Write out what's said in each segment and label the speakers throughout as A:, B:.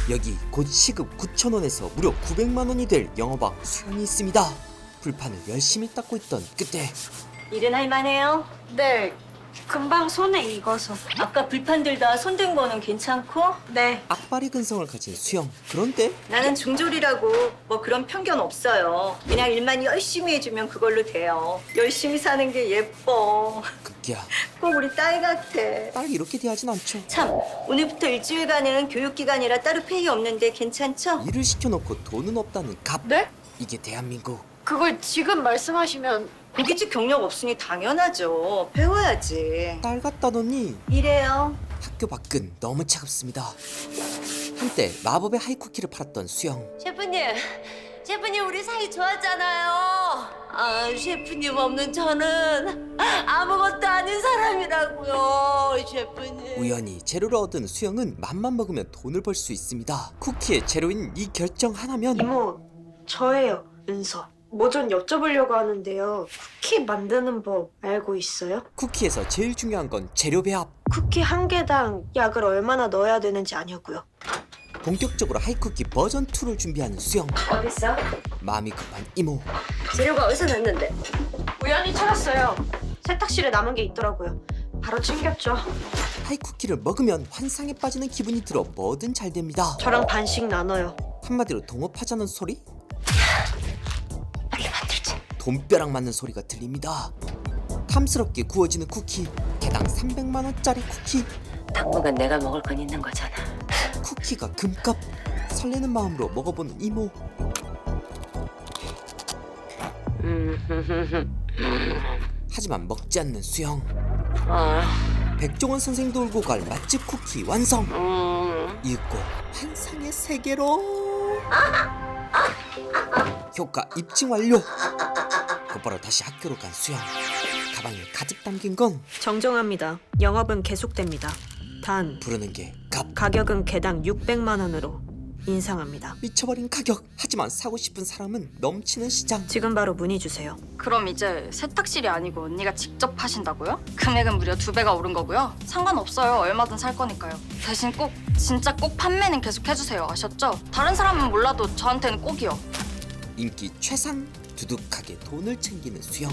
A: 여기 곧 시급 9,000원에서 무려 900만원이 될 영업왕 수영이 있습니다. 불판을 열심히 닦고 있던 그때
B: 일은 할만해요?
C: 네, 금방 손에 익어서.
B: 아까 불판들 다 손댄 거는 괜찮고?
C: 네.
A: 악바리 근성을 가진 수영. 그런데
B: 나는 중졸이라고 뭐 그런 편견 없어요. 그냥 일만 열심히 해주면 그걸로 돼요. 열심히 사는 게 예뻐.
A: 급기야
B: 꼭 우리 딸 같아.
A: 딸 이렇게 대하진 않죠.
B: 참, 오늘부터 일주일간은 교육기간이라 따로 페이 없는데 괜찮죠?
A: 일을 시켜놓고 돈은 없다는 갑.
C: 네?
A: 이게 대한민국.
C: 그걸 지금 말씀하시면
B: 고깃집 경력 없으니 당연하죠. 배워야지.
A: 딸 같다더니
B: 이래요.
A: 학교 밖은 너무 차갑습니다. 한때 마법의 하이쿠키를 팔았던 수영.
D: 셰프님 우리 사이 좋았잖아요. 아, 셰프님 없는 저는 아무것도 아닌 사람이라고요, 셰프님.
A: 우연히 재료를 얻은 수영은 맘만 먹으면 돈을 벌 수 있습니다. 쿠키의 재료인 이 결정 하나면
C: 이모, 저예요, 은서. 뭐 좀 여쭤보려고 하는데요. 쿠키 만드는 법 알고 있어요?
A: 쿠키에서 제일 중요한 건 재료 배합.
C: 쿠키 한 개당 약을 얼마나 넣어야 되는지 아냐고요.
A: 본격적으로 하이쿠키 버전 2를 준비하는 수영.
B: 어딨어?
A: 마음이 급한 이모.
B: 재료가 어디서 났는데?
C: 우연히 찾았어요. 세탁실에 남은 게 있더라고요. 바로 챙겼죠.
A: 하이쿠키를 먹으면 환상에 빠지는 기분이 들어 뭐든 잘 됩니다.
C: 저랑 반씩 나눠요.
A: 한마디로 동업하자는 소리? 돈벼락 맞는 소리가 들립니다. 탐스럽게 구워지는 쿠키. 개당 300만원짜리 쿠키.
D: 당분간 내가 먹을 건 있는 거잖아.
A: 쿠키가 금값. 설레는 마음으로 먹어보는 이모. 하지만 먹지 않는 수영. 백종원 선생도 울고 갈 맛집 쿠키 완성. 읽고 환상의 세계로. 효과 입증 완료. 곧바로 다시 학교로 간 수영. 가방에 가득 담긴 건
C: 정정합니다. 영업은 계속됩니다. 단
A: 부르는 게 갑.
C: 가격은 개당 600만 원으로 인상합니다.
A: 미쳐버린 가격. 하지만 사고 싶은 사람은 넘치는 시장.
C: 지금 바로 문의 주세요.
E: 그럼 이제 세탁실이 아니고 언니가 직접 하신다고요? 금액은 무려 2배가 오른 거고요. 상관없어요. 얼마든 살 거니까요. 대신 꼭 진짜 꼭 판매는 계속 해주세요. 아셨죠? 다른 사람은 몰라도 저한테는 꼭이요.
A: 인기 최상. 두둑하게 돈을 챙기는 수영.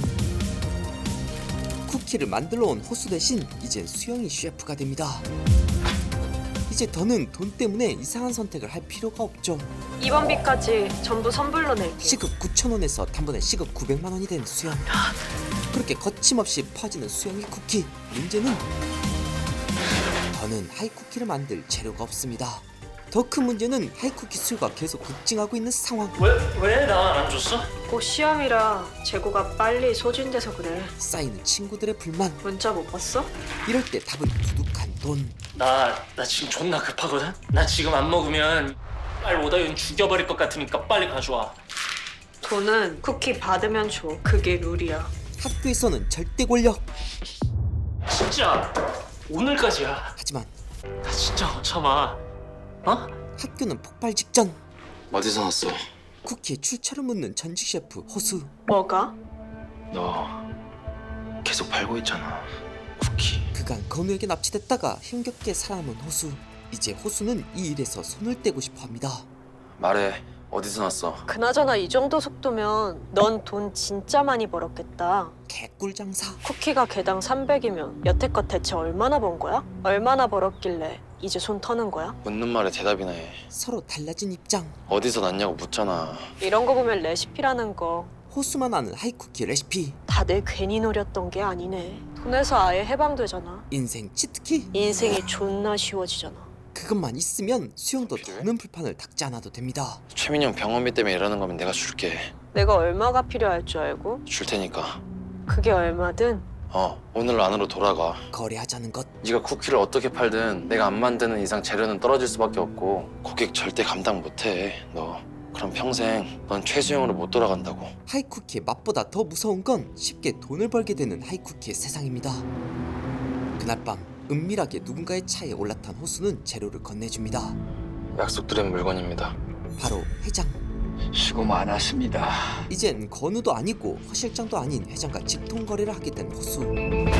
A: 쿠키를 만들러 온 호수 대신 이젠 수영이 셰프가 됩니다. 이제 더는 돈 때문에 이상한 선택을 할 필요가 없죠.
C: 이번 비까지 전부 선불로 낼게요.
A: 시급 9,000원에서 단번에 시급 900만원이 된 수영. 그렇게 거침없이 퍼지는 수영의 쿠키. 문제는 더는 하이쿠키를 만들 재료가 없습니다. 더 큰 문제는 하이쿠키 수요가 계속 급증하고 있는 상황.
F: 왜 나 안 줬어?
C: 곧 시험이라 재고가 빨리 소진돼서 그래.
A: 쌓이는 친구들의 불만.
C: 문자 못 봤어?
A: 이럴 때 답은 두둑한 돈.
F: 나 지금 존나 급하거든? 나 지금 안 먹으면 빨리 오다윤 죽여버릴 것 같으니까 빨리 가져와.
C: 돈은 쿠키 받으면 줘. 그게 룰이야.
A: 학교에서는 절대 권력.
F: 진짜 오늘까지야.
A: 하지만
F: 나 진짜 못 참아. 어?
A: 학교는 폭발 직전.
G: 어디서 났어?
A: 쿠키의 출처를 묻는 전직 셰프 호수.
C: 뭐가?
G: 너 계속 팔고 있잖아. 쿠키.
A: 그간 건우에게 납치됐다가 힘겹게 살아남은 호수. 이제 호수는 이 일에서 손을 떼고 싶어합니다.
G: 말해. 어디서 났어?
C: 그나저나 이 정도 속도면 넌 돈 진짜 많이 벌었겠다.
A: 개꿀 장사.
C: 쿠키가 개당 300이면 여태껏 대체 얼마나 번 거야? 얼마나 벌었길래 이제 손 터는 거야?
G: 묻는 말에 대답이나 해.
A: 서로 달라진 입장.
G: 어디서 났냐고 묻잖아.
C: 이런 거 보면 레시피라는 거 다
A: 호수만 아는 하이쿠키 레시피.
C: 내 괜히 노렸던 게 아니네. 돈에서 아예 해방되잖아.
A: 인생 치트키.
C: 인생이 존나 쉬워지잖아.
A: 그것만 있으면 수영도 더는 불판을 닦지 않아도 됩니다.
G: 최민영 병원비 때문에 이러는 거면 내가 줄게.
C: 내가 얼마가 필요할 줄 알고?
G: 줄 테니까.
C: 그게 얼마든
G: 오늘 안으로 돌아가.
A: 거래하자는 것.
G: 네가 쿠키를 어떻게 팔든 내가 안 만드는 이상 재료는 떨어질 수밖에 없고 고객 절대 감당 못해. 너 그럼 평생 넌 최수영으로 못 돌아간다고.
A: 하이쿠키의 맛보다 더 무서운 건 쉽게 돈을 벌게 되는 하이쿠키의 세상입니다. 그날 밤 은밀하게 누군가의 차에 올라탄 호수는 재료를 건네줍니다.
G: 약속드린 물건입니다.
A: 바로 회장.
H: 수고 많았습니다.
A: 이젠 건우도 아니고 허 실장도 아닌 회장과 직통거래를 하게 된 호수.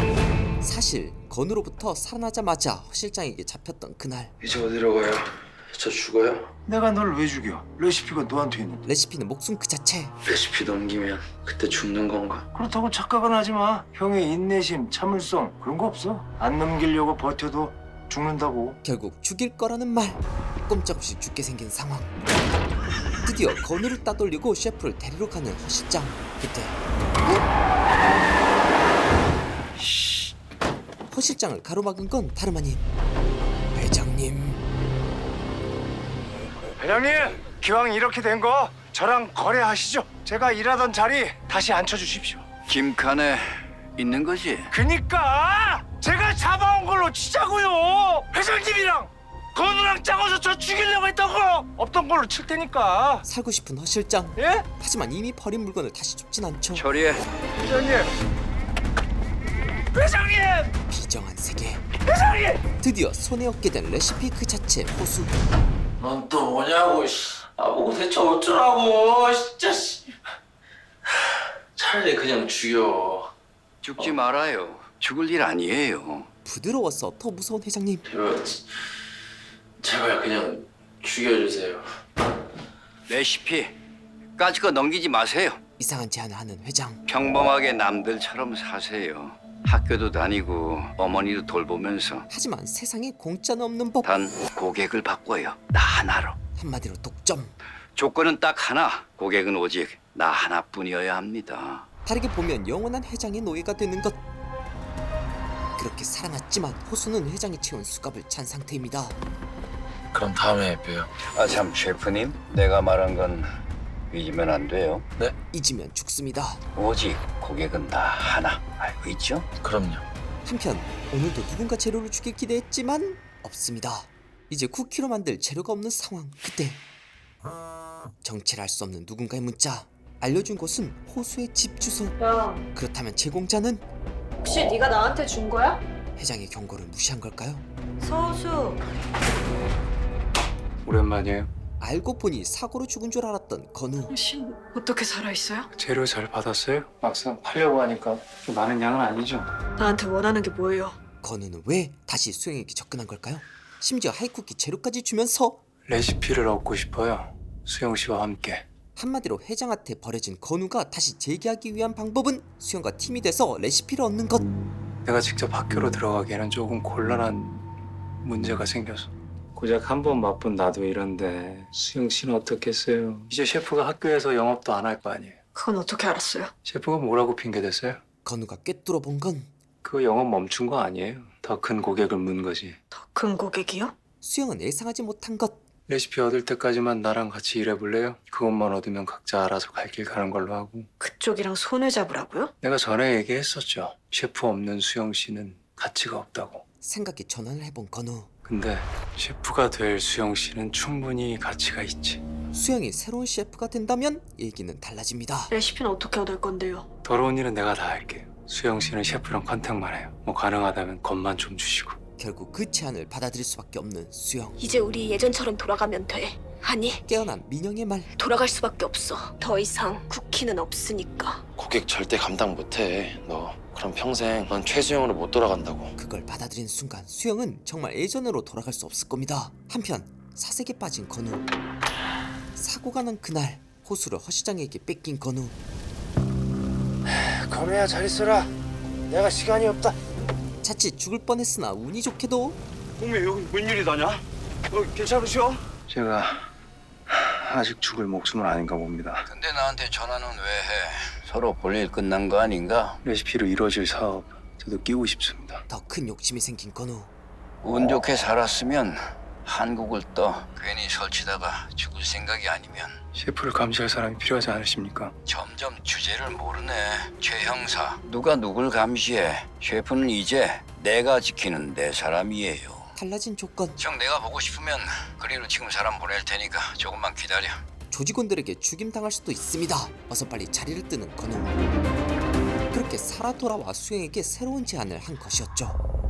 A: 사실 건우로부터 살아나자마자 허 실장에게 잡혔던 그날.
G: 이제 어디로 가요? 저 죽어요?
I: 내가 널 왜 죽여? 레시피가 너한테 있는데.
A: 레시피는 목숨 그 자체.
G: 레시피 넘기면 그때 죽는 건가?
I: 그렇다고 착각은 하지 마. 형의 인내심, 참을성 그런 거 없어. 안 넘기려고 버텨도 죽는다고.
A: 결국 죽일 거라는 말. 꼼짝없이 죽게 생긴 상황. 드디어 건우를 따돌리고 셰프를 데리러 가는 허 실장. 그때 허 실장을 가로막은 건 다름 아닌 회장님.
I: 회장님, 기왕 이렇게 된 거 저랑 거래하시죠. 제가 일하던 자리 다시 앉혀주십시오.
H: 김칸에 있는 거지?
I: 그니까 제가 잡아온 걸로 치자고요. 회장님이랑 건우랑 짜고서 저 죽이려고 했던 거 없던 걸로 칠 테니까.
A: 살고 싶은 허 실장.
I: 예?
A: 하지만 이미 버린 물건을 다시 줍진 않죠.
H: 처리해.
I: 회장님. 회장님.
A: 비정한 세계.
I: 회장님.
A: 드디어 손에 얻게 된 레시피 그 자체 호수.
F: 넌 또 뭐냐고. 보고 대체 어쩌라고. 진짜. 차라리 그냥 죽여.
H: 죽지 말아요. 죽을 일 아니에요.
A: 부드러워서 더 무서운 회장님.
F: 제발 그냥 죽여주세요.
H: 레시피 까짓 거 넘기지 마세요.
A: 이상한 제안을 하는 회장.
H: 평범하게 남들처럼 사세요. 학교도 다니고 어머니도 돌보면서
A: 하지만 세상에 공짜는 없는 법.
H: 단 고객을 바꿔요. 나 하나로.
A: 한마디로 독점.
H: 조건은 딱 하나. 고객은 오직 나 하나뿐이어야 합니다.
A: 다르게 보면 영원한 회장의 노예가 되는 것. 그렇게 살아났지만 호수는 회장이 채운 수갑을 찬 상태입니다.
G: 그럼 다음에 봬요.
H: 아 참 셰프님, 내가 말한 건 잊으면 안 돼요.
A: 잊으면 죽습니다.
H: 오직 고객은 나 하나. 알고 있죠?
G: 그럼요.
A: 한편 오늘도 누군가 재료를 주길 기대했지만 없습니다. 이제 쿠키로 만들 재료가 없는 상황. 그때 정체를 알 수 없는 누군가의 문자. 알려준 곳은 호수의 집 주소.
C: 야,
A: 그렇다면 제공자는
C: 혹시 네가 나한테 준 거야?
A: 회장의 경고를 무시한 걸까요?
B: 서우수.
I: 오랜만이에요.
A: 알고 보니 사고로 죽은 줄 알았던 건우.
C: 당신 어떻게 살아있어요?
I: 재료 잘 받았어요? 막상 팔려고 하니까 많은 양은 아니죠.
C: 나한테 원하는 게 뭐예요?
A: 건우는 왜 다시 수영에게 접근한 걸까요? 심지어 하이쿠키 재료까지 주면서
I: 레시피를 얻고 싶어요. 수영 씨와 함께.
A: 한마디로 회장한테 버려진 건우가 다시 재기하기 위한 방법은 수영과 팀이 돼서 레시피를 얻는 것.
I: 내가 직접 학교로 들어가기에는 조금 곤란한 문제가 생겨서. 고작 한 번 맛본 나도 이런데 수영 씨는 어떻겠어요? 이제 셰프가 학교에서 영업도 안 할 거 아니에요.
C: 그건 어떻게 알았어요?
I: 셰프가 뭐라고 핑계댔어요?
A: 건우가 꿰뚫어 본 건
I: 그거 영업 멈춘 거 아니에요. 더 큰 고객을 문 거지.
C: 더 큰 고객이요?
A: 수영은 예상하지 못한 것.
I: 레시피 얻을 때까지만 나랑 같이 일해볼래요? 그것만 얻으면 각자 알아서 갈 길 가는 걸로 하고.
C: 그쪽이랑 손을 잡으라고요?
I: 내가 전에 얘기했었죠. 셰프 없는 수영 씨는 가치가 없다고.
A: 생각에 전환을 해본 건우.
I: 근데 셰프가 될 수영 씨는 충분히 가치가 있지.
A: 수영이 새로운 셰프가 된다면 얘기는 달라집니다.
C: 레시피는 어떻게 얻을 건데요?
I: 더러운 일은 내가 다 할게요. 수영 씨는 셰프랑 컨택만 해요. 뭐 가능하다면 것만 좀 주시고.
A: 결국 그 제안을 받아들일 수밖에 없는 수영.
J: 이제 우리 예전처럼 돌아가면 돼. 아니,
A: 깨어난 민영의 말.
J: 돌아갈 수밖에 없어. 더 이상 쿠키는 없으니까.
G: 고객 절대 감당 못해. 너 그럼 평생 넌 최수영으로 못 돌아간다고.
A: 그걸 받아들인 순간 수영은 정말 예전으로 돌아갈 수 없을 겁니다. 한편 사색에 빠진 건우. 사고가 난 그날 호수를 허 시장에게 뺏긴 건우.
I: 건우야 잘 있어라. 내가 시간이 없다.
A: 자칫 죽을 뻔했으나 운이 좋게도
I: 동네 여기 웬일이다냐? 괜찮으시오? 제가 아직 죽을 목숨은 아닌가 봅니다.
H: 근데 나한테 전화는 왜 해? 서로 볼일 끝난 거 아닌가?
I: 레시피로 이루어질 사업 저도 끼고 싶습니다.
A: 더 큰 욕심이 생긴 건우.
H: 운 좋게 살았으면 한국을 떠. 괜히 설치다가 죽을 생각이 아니면.
I: 셰프를 감시할 사람이 필요하지 않으십니까?
H: 점점 주제를 모르네. 최 형사, 누가 누굴 감시해? 셰프는 이제 내가 지키는 내 사람이에요.
A: 달라진 조건.
H: 정 내가 보고 싶으면 그리로 지금 사람 보낼 테니까 조금만 기다려.
A: 조직원들에게 죽임당할 수도 있습니다. 어서 빨리 자리를 뜨는 건우. 그렇게 살아 돌아와 수영에게 새로운 제안을 한 것이었죠.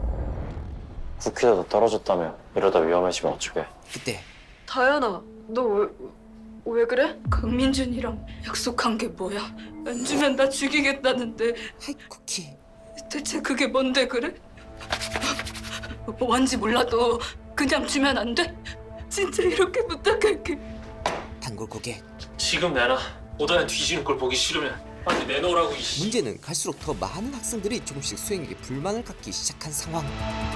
G: 쿠키라도 떨어졌다며. 이러다 위험해지면 어쩌게.
A: 그때
C: 다현아, 너 왜 그래?
J: 강민준이랑 약속한 게 뭐야? 안 주면 나 죽이겠다는데
A: 하이쿠키.
J: 대체 그게 뭔데 그래? 뭔지 몰라도 그냥 주면 안 돼? 진짜 이렇게 부탁할게.
A: 단골 고객.
F: 지금 내놔. 오다연 뒤지는 걸 보기 싫으면 빨리 내놓으라고. 이씨.
A: 문제는 갈수록 더 많은 학생들이 조금씩 수영에게 불만을 갖기 시작한 상황.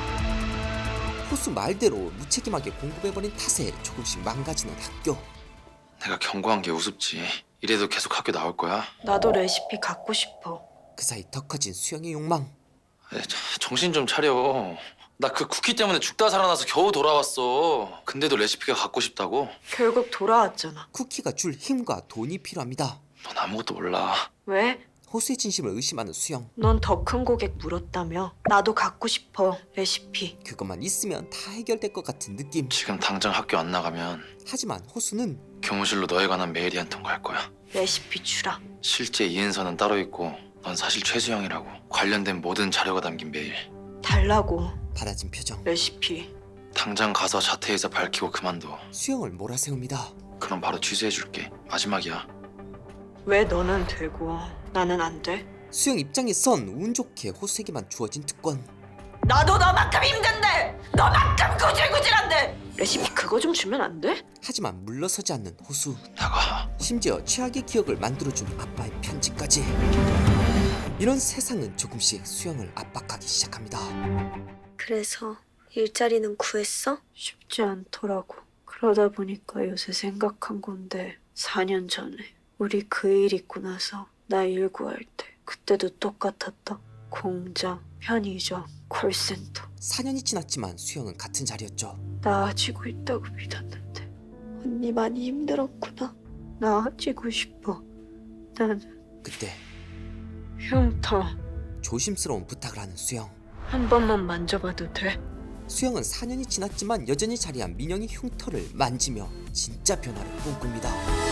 A: 호수 말대로 무책임하게 공급해버린 탓에 조금씩 망가지는 학교.
G: 내가 경고한 게 우습지. 이래도 계속 학교 나올 거야?
C: 나도 레시피 갖고 싶어.
A: 그 사이 더 커진 수영의 욕망.
G: 정신 좀 차려. 나 그 쿠키 때문에 죽다 살아나서 겨우 돌아왔어. 근데도 레시피가 갖고 싶다고?
C: 결국 돌아왔잖아.
A: 쿠키가 줄 힘과 돈이 필요합니다.
G: 넌 아무것도 몰라.
C: 왜?
A: 호수의 진심을 의심하는 수영.
C: 넌 더 큰 고객 물었다며. 나도 갖고 싶어, 레시피.
A: 그것만 있으면 다 해결될 것 같은 느낌.
G: 지금 당장 학교 안 나가면
A: 하지만 호수는
G: 교무실로 너에 관한 메일이 한 통 갈 거야.
C: 레시피 주라.
G: 실제 이은서는 따로 있고 넌 사실 최수영이라고. 관련된 모든 자료가 담긴 메일.
C: 달라고,
A: 받아진 표정.
C: 레시피.
G: 당장 가서 자퇴해서 밝히고 그만둬.
A: 수영을 몰아세웁니다.
G: 그럼 바로 취소해줄게. 마지막이야.
C: 왜 너는 되고 나는 안 돼?
A: 수영 입장에선 운 좋게 호수에게만 주어진 특권.
C: 나도 너만큼 힘든데! 너만큼 구질구질한데! 레시피 그거 좀 주면 안 돼?
A: 하지만 물러서지 않는 호수.
G: 나가.
A: 심지어 최악의 기억을 만들어준 아빠의 편지까지. 이런 세상은 조금씩 수영을 압박하기 시작합니다.
C: 그래서 일자리는 구했어? 쉽지 않더라고. 그러다 보니까 요새 생각한 건데 4년 전에 우리 그 일 있고 나서 나 일 구할 때 그때도 똑같았다. 공장, 편의점, 콜센터.
A: 4년이 지났지만 수영은 같은 자리였죠.
C: 나아지고 있다고 믿었는데 언니 많이 힘들었구나. 나아지고 싶어. 나는
A: 그때
C: 흉터
A: 조심스러운 부탁을 하는 수영.
C: 한 번만 만져봐도 돼?
A: 수영은 4년이 지났지만 여전히 자리한 민영의 흉터를 만지며 진짜 변화를 꿈꿉니다.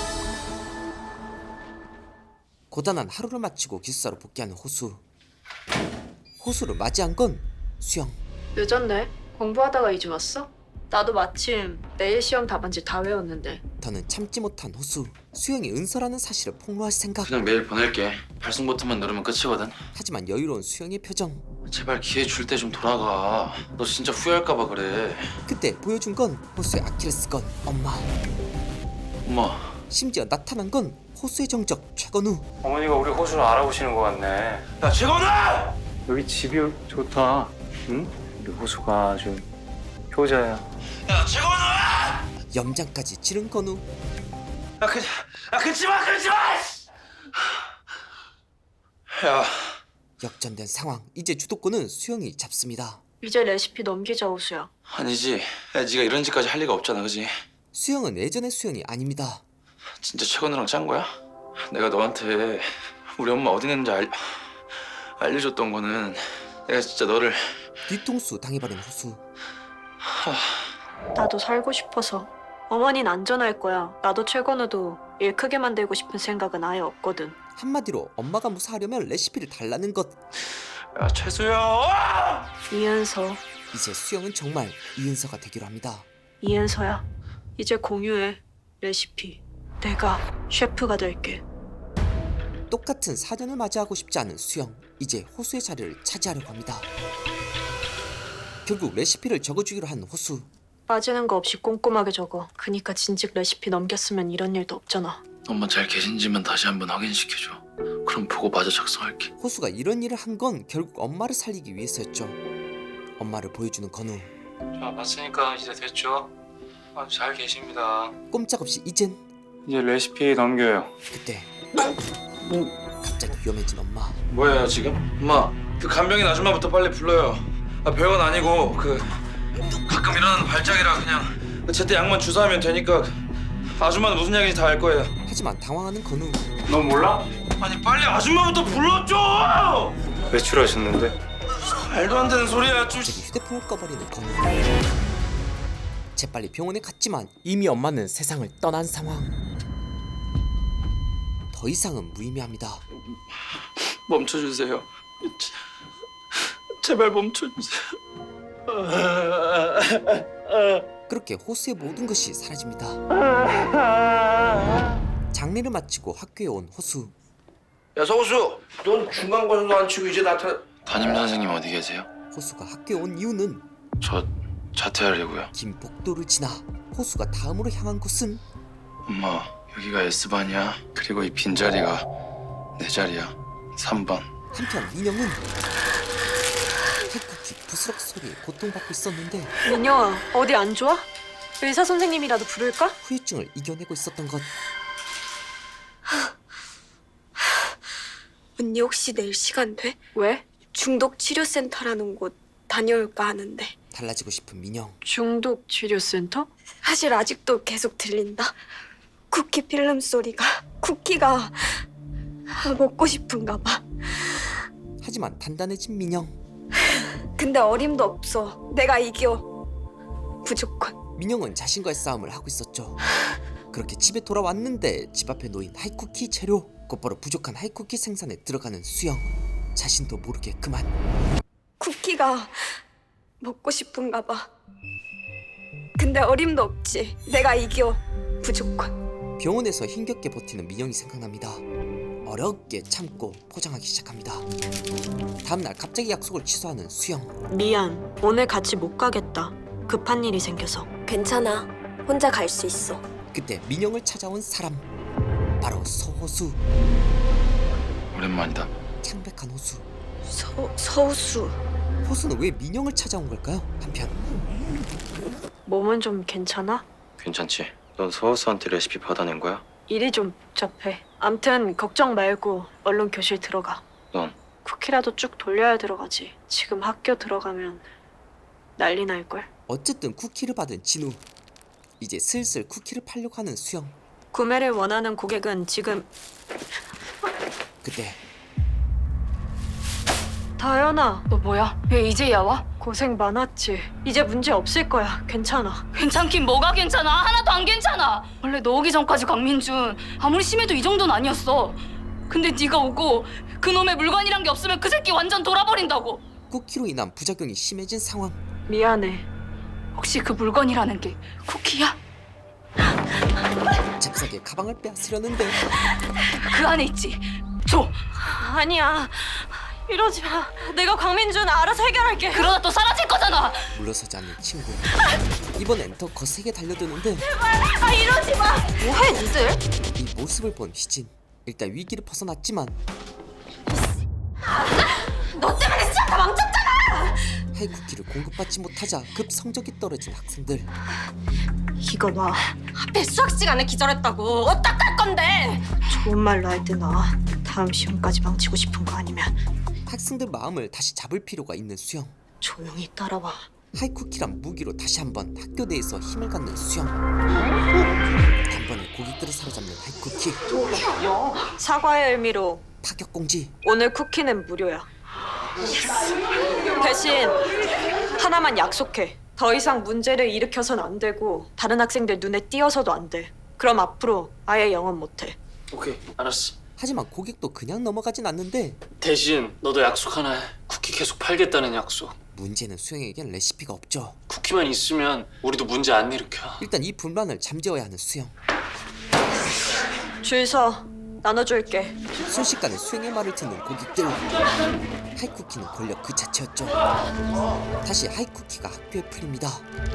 A: 고단한 하루를 마치고 기숙사로 복귀하는 호수. 호수를 맞이한 건 수영.
C: 늦었네. 공부하다가 이제 왔어? 나도 마침 내일 시험 답안지 다 외웠는데.
A: 더는 참지 못한 호수. 수영이 은서라는 사실을 폭로할 생각.
G: 그냥 메일 보낼게. 발송 버튼만 누르면 끝이거든.
A: 하지만 여유로운 수영의 표정.
G: 제발 기회 줄 때 좀 돌아가. 너 진짜 후회할까 봐 그래.
A: 그때 보여준 건 호수의 아킬레스건 엄마.
G: 엄마.
A: 심지어 나타난 건 호수의 정적 최건우.
I: 어머니가 우리 호수를 알아보시는 것 같네.
G: 야 최건우!
I: 여기 집이 좋다. 응? 우리 호수가 아주 효자야.
G: 야 최건우!
A: 염장까지 지른 건우.
G: 그치마! 야
A: 역전된 상황. 이제 주도권은 수영이 잡습니다.
C: 이제 레시피 넘기자 호수야.
G: 아니지. 야 네가 이런 짓까지 할 리가 없잖아, 그지?
A: 수영은 예전의 수영이 아닙니다.
G: 진짜 최건우랑 짠 거야? 내가 너한테 우리 엄마 어디 있는지 알려줬던 거는 내가 진짜 너를
A: 뒤통수 당해버린 호수.
C: 나도 살고 싶어서. 어머닌 안전할 거야. 나도 최건우도 일 크게 만들고 싶은 생각은 아예 없거든.
A: 한마디로 엄마가 무사하려면 레시피를 달라는 것.
G: 야 최수영!
C: 이은서.
A: 이제 수영은 정말 이은서가 되기로 합니다.
C: 이은서야. 이제 공유해. 레시피. 내가 셰프가 될게.
A: 똑같은 4년을 맞이하고 싶지 않은 수영. 이제 호수의 자리를 차지하려고 합니다. 결국 레시피를 적어주기로 한 호수.
C: 빠지는 거 없이 꼼꼼하게 적어. 그니까 진즉 레시피 넘겼으면 이런 일도 없잖아.
G: 엄마 잘 계신지만 다시 한번 확인시켜줘. 그럼 보고 마저 작성할게.
A: 호수가 이런 일을 한 건 결국 엄마를 살리기 위해서였죠. 엄마를 보여주는 건우.
I: 자, 봤으니까 이제 됐죠? 아주 잘 계십니다.
A: 꼼짝없이 이젠.
I: 이제 레시피 넘겨요.
A: 그때 갑자기 위험해진 엄마.
G: 뭐예요 지금? 엄마 그 간병인 아줌마부터 빨리 불러요. 별건 아니고 그 가끔 일어나는 발작이라 그냥 제때 약만 주사하면 되니까 아줌마는 무슨 약인지 다 알 거예요.
A: 하지만 당황하는 건우.
I: 넌 몰라?
G: 아니 빨리 아줌마부터 불러줘!
I: 외출하셨는데?
G: 말도 안 되는 소리야 좀.
A: 갑자기 휴대폰을 꺼버리는 건우. 재빨리 병원에 갔지만 이미 엄마는 세상을 떠난 상황. 더 이상은 무의미합니다.
G: 멈춰주세요. 제발 멈춰주세요.
A: 그렇게 호수의 모든 것이 사라집니다. 장례를 마치고 학교에 온 호수.
H: 야 서우수, 넌 중간고사도 안 치고 이제 나타나.
G: 담임 선생님 어디 계세요?
A: 호수가 학교에 온 이유는
G: 저 자퇴하려고요.
A: 긴 복도를 지나 호수가 다음으로 향한 곳은
G: 엄마, 여기가 S반이야. 그리고 이 빈자리가 내 자리야. 3번.
A: 한편 민영은 팔굽히 부스럭 소리에 고통받고 있었는데
C: 민영아, 어디 안 좋아? 의사 선생님이라도 부를까?
A: 후유증을 이겨내고 있었던 것.
C: 언니 혹시 내일 시간 돼?
J: 왜?
C: 중독 치료센터라는 곳 다녀올까 하는데.
A: 달라지고 싶은 민영.
C: 중독 치료센터? 사실 아직도 계속 들린다. 쿠키 필름 소리가. 쿠키가 먹고 싶은가 봐.
A: 하지만 단단해진 민영.
C: 근데 어림도 없어. 내가 이겨. 무조건.
A: 민영은 자신과의 싸움을 하고 있었죠. 그렇게 집에 돌아왔는데 집 앞에 놓인 하이쿠키 재료. 곧바로 부족한 하이쿠키 생산에 들어가는 수영. 자신도 모르게 그만.
C: 쿠키가 먹고 싶은가 봐. 근데 어림도 없지. 내가 이겨. 무조건.
A: 병원에서 힘겹게 버티는 민영이 생각납니다. 어렵게 참고 포장하기 시작합니다. 다음날 갑자기 약속을 취소하는 수영.
C: 미안. 오늘 같이 못 가겠다. 급한 일이 생겨서. 괜찮아. 혼자 갈 수 있어.
A: 그때 민영을 찾아온 사람. 바로 서호수.
G: 오랜만이다.
A: 창백한 호수.
C: 서우수.
A: 호수는 왜 민영을 찾아온 걸까요? 한편
C: 몸은 좀 괜찮아?
G: 괜찮지? 넌 서우스한테 레시피 받아낸 거야?
C: 일이 좀 복잡해. 암튼 걱정 말고 얼른 교실 들어가.
G: 넌?
C: 쿠키라도 쭉 돌려야 들어가지. 지금 학교 들어가면 난리 날걸.
A: 어쨌든 쿠키를 받은 진우. 이제 슬슬 쿠키를 팔려고 하는 수영.
C: 구매를 원하는 고객은 지금.
A: 그때
C: 다현아,
J: 너 뭐야? 왜 이제야 와?
C: 고생 많았지. 이제 문제 없을 거야. 괜찮아.
J: 괜찮긴 뭐가 괜찮아? 하나도 안 괜찮아. 원래 너 오기 전까지 강민준 아무리 심해도 이 정도는 아니었어. 근데 네가 오고 그놈의 물건이란 게 없으면 그 새끼 완전 돌아버린다고.
A: 쿠키로 인한 부작용이 심해진 상황.
C: 미안해.
J: 혹시 그 물건이라는 게 쿠키야?
A: 잽싸게 가방을 빼앗으려는데
J: 그 안에 있지. 줘.
C: 아니야. 이러지 마. 내가 광민준 알아서 해결할게.
J: 그러다 또 사라질 거잖아.
A: 물러서지 않는 친구. 이번엔 더 거세게 달려드는데
C: 이러지 마. 뭐해 니들?
A: 이 모습을 본 희진. 일단 위기를 벗어났지만
D: 너 때문에 시작 다 망쳤잖아.
A: 하이쿠키를 공급받지 못하자 급 성적이 떨어진 학생들.
C: 이거 봐.
D: 하필 수학 시간에 기절했다고. 어떡할 건데?
C: 좋은 말로 할 때 나와. 다음 시험까지 망치고 싶은 거 아니면
A: 학생들 마음을 다시 잡을 필요가 있는 수영.
C: 조용히 따라와.
A: 하이쿠키란 무기로 다시 한번 학교 내에서 힘을 갖는 수영. 단번에 고객들을 사로잡는 하이쿠키.
C: 사과의 의미로
A: 타격 공지.
C: 오늘 쿠키는 무료야. 대신 하나만 약속해. 더 이상 문제를 일으켜선 안 되고 다른 학생들 눈에 띄어서도 안 돼. 그럼 앞으로 아예 영업 못해.
F: 오케이, 알았어.
A: 하지만 고객도 그냥 넘어가진 않는데
F: 대신 너도 약속 하나 해. 쿠키 계속 팔겠다는 약속.
A: 문제는 수영에겐 레시피가 없죠.
F: 쿠키만 있으면 우리도 문제 안 일으켜.
A: 일단 이 분란을 잠재워야 하는 수영.
C: 줄 서. 나눠줄게.
A: 순식간에 수영의 말을 듣는 고객들. 하이쿠키는 권력 그 자체였죠. 다시 하이쿠키가 학교에 풀립니다.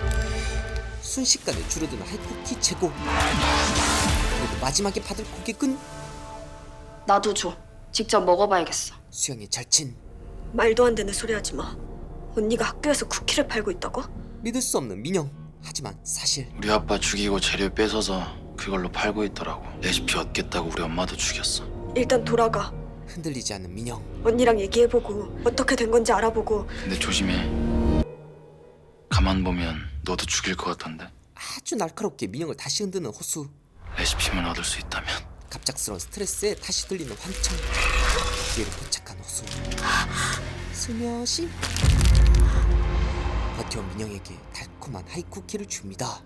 A: 순식간에 줄어드는 하이쿠키 재고. 그리고 마지막에 받을 고객은
E: 나도 줘. 직접 먹어봐야겠어.
A: 수영의 절친.
C: 말도 안 되는 소리 하지 마. 언니가 학교에서 쿠키를 팔고 있다고?
A: 믿을 수 없는 민영. 하지만 사실
G: 우리 아빠 죽이고 재료 뺏어서 그걸로 팔고 있더라고. 레시피 얻겠다고 우리 엄마도 죽였어.
C: 일단 돌아가.
A: 흔들리지 않는 민영.
C: 언니랑 얘기해보고 어떻게 된 건지 알아보고.
G: 근데 조심해. 가만 보면 너도 죽일 것 같던데.
A: 아주 날카롭게 민영을 다시 흔드는 호수.
G: 레시피만 얻을 수 있다면.
A: 갑작스러운 스트레스에 다시 들리는 환청. 기회를 포착한 호수. 슬며시 버텨온 민영에게 달콤한 하이쿠키를 줍니다.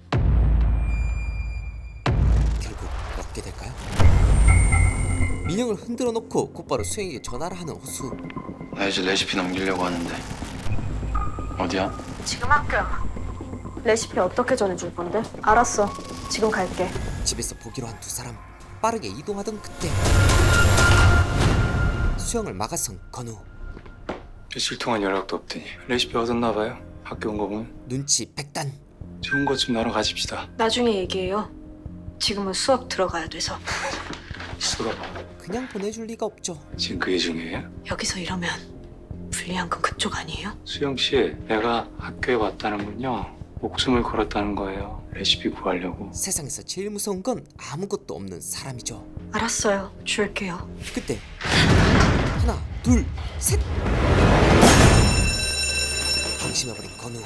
A: 결국 먹게 될까요? 민영을 흔들어 놓고 곧바로 수영에게 전화를 하는 호수.
G: 나 이제 레시피 넘기려고 하는데. 어디야?
C: 지금 학교야. 레시피 어떻게 전해줄 건데? 알았어. 지금 갈게.
A: 집에서 보기로 한 두 사람. 빠르게 이동하던 그때 수영을 막아선 건우.
I: 며칠 동안 연락도 없더니 레시피 얻었나 봐요. 학교 온 거 보면
A: 눈치 백단.
I: 좋은 것 좀 나눠 가집시다.
C: 나중에 얘기해요. 지금은 수업 들어가야 돼서.
I: 수업
A: 그냥 보내줄 리가 없죠.
I: 지금 그게 중요해요?
C: 여기서 이러면 불리한 건 그쪽 아니에요?
I: 수영 씨, 내가 학교에 왔다는 건요 목숨을 걸었다는 거예요. 레시피 구하려고.
A: 세상에서 제일 무서운 건 아무것도 없는 사람이죠.
C: 알았어요. 줄게요.
A: 그때 하나, 둘, 셋. 방심해버린 건우.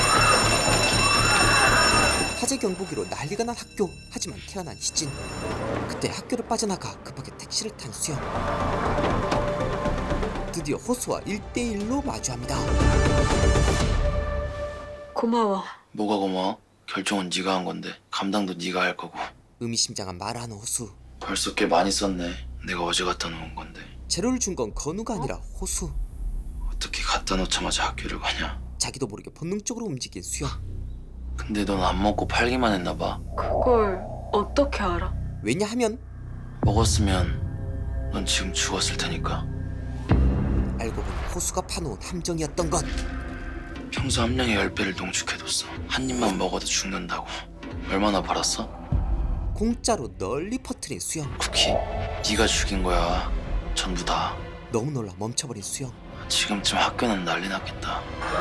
A: 화재 경보기로 난리가 난 학교. 하지만 태어난 희진. 그때 학교를 빠져나가 급하게 택시를 탄 수영. 드디어 호수와 1대1로 마주합니다.
C: 고마워.
G: 뭐가 고마워? 결정은 네가 한 건데 감당도 네가 할 거고.
A: 의미심장한 말을 하는 호수.
G: 벌써 꽤 많이 썼네. 내가 어제 갖다 놓은 건데.
A: 재료를 준 건 건우가 아니라 호수.
G: 어떻게 갖다 놓자마자 학교를 가냐?
A: 자기도 모르게 본능적으로 움직인 수영.
G: 근데 넌 안 먹고 팔기만 했나 봐.
C: 그걸 어떻게 알아?
A: 왜냐하면
G: 먹었으면 넌 지금 죽었을 테니까.
A: 알고 보니 호수가 파놓은 함정이었던 건
G: 평소 함량의 10배를 농축해뒀어. 한 입만 먹어도 죽는다고. 얼마나 팔았어?
A: 공짜로 널리 퍼뜨린 수영.
G: 쿠키, 네가 죽인 거야. 전부 다.
A: 너무 놀라 멈춰버린 수영.
G: 지금쯤 학교는 난리 났겠다.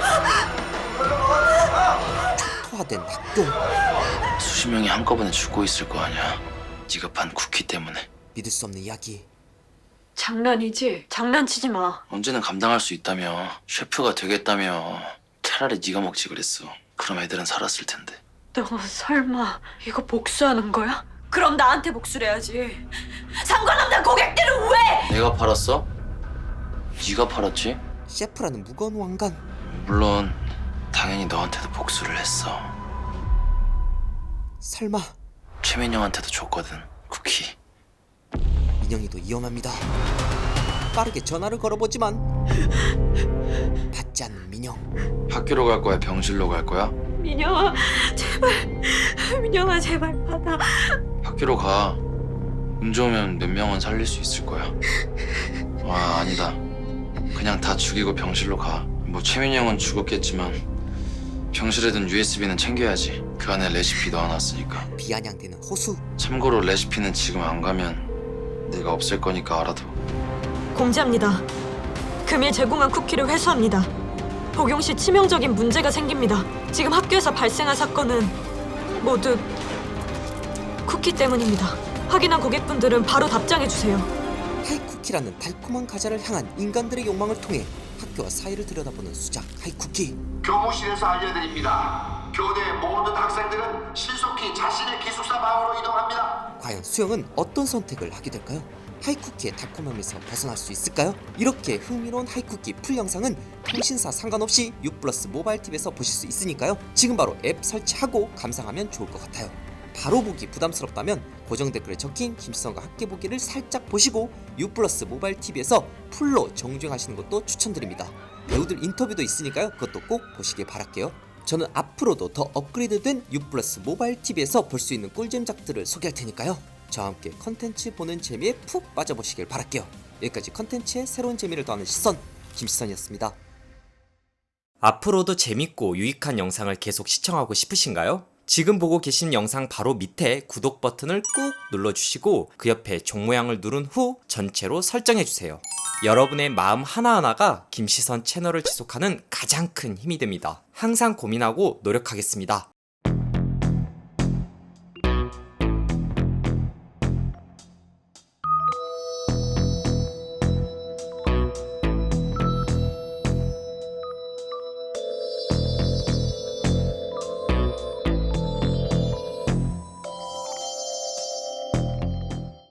A: 초토화된 학교.
G: 수십 명이 한꺼번에 죽고 있을 거 아니야. 네가 판 쿠키 때문에.
A: 믿을 수 없는 이야기.
C: 장난이지? 장난치지 마.
G: 언제는 감당할 수 있다며. 셰프가 되겠다며. 차라리 네가 먹지 그랬어. 그럼 애들은 살았을 텐데.
C: 너 설마 이거 복수하는 거야? 그럼 나한테 복수를 해야지. 상관없는 고객들은 왜?
G: 내가 팔았어? 네가 팔았지?
A: 셰프라는 무거운 왕관.
G: 물론 당연히 너한테도 복수를 했어.
A: 설마
G: 최민영한테도 줬거든. 쿠키.
A: 민영이도 위험합니다. 빠르게 전화를 걸어보지만 받지 않는 민영.
G: 학교로 갈 거야? 병실로 갈 거야?
C: 민영아, 제발. 민영아, 제발 받아.
G: 학교로 가. 운 좋으면 몇 명은 살릴 수 있을 거야. 아, 아니다. 그냥 다 죽이고 병실로 가. 뭐 최민영은 죽었겠지만 병실에 든 USB는 챙겨야지. 그 안에 레시피 넣어놨으니까.
A: 비아냥대는 호수.
G: 참고로 레시피는 지금 안 가면 내가 없앨 거니까 알아둬.
K: 공지합니다. 금일 제공한 쿠키를 회수합니다. 복용 시 치명적인 문제가 생깁니다. 지금 학교에서 발생한 사건은 모두 쿠키 때문입니다. 확인한 고객분들은 바로 답장해주세요.
A: 하이쿠키라는 달콤한 과자를 향한 인간들의 욕망을 통해 학교와 사회를 들여다보는 수작 하이쿠키.
L: 교무실에서 알려드립니다. 교내 모든 학생들은 신속히 자신의 기숙사 방으로 이동합니다.
A: 과연 수영은 어떤 선택을 하게 될까요? 하이쿠키의 달콤함에서 벗어날 수 있을까요? 이렇게 흥미로운 하이쿠키 풀 영상은 통신사 상관없이 U+ 모바일 TV에서 보실 수 있으니까요. 지금 바로 앱 설치하고 감상하면 좋을 것 같아요. 바로 보기 부담스럽다면 고정 댓글에 적힌 김시선과 함께 보기를 살짝 보시고 U+ 모바일 TV에서 풀로 정주행하시는 것도 추천드립니다. 배우들 인터뷰도 있으니까요. 그것도 꼭 보시길 바랄게요. 저는 앞으로도 더 업그레이드된 U+ 모바일 TV에서 볼 수 있는 꿀잼작들을 소개할 테니까요. 저와 함께 컨텐츠 보는 재미에 푹 빠져보시길 바랄게요. 여기까지 컨텐츠의 새로운 재미를 더하는 시선 김시선이었습니다. 앞으로도 재밌고 유익한 영상을 계속 시청하고 싶으신가요? 지금 보고 계신 영상 바로 밑에 구독 버튼을 꾹 눌러주시고 그 옆에 종 모양을 누른 후 전체로 설정해주세요. 여러분의 마음 하나하나가 김시선 채널을 지속하는 가장 큰 힘이 됩니다. 항상 고민하고 노력하겠습니다.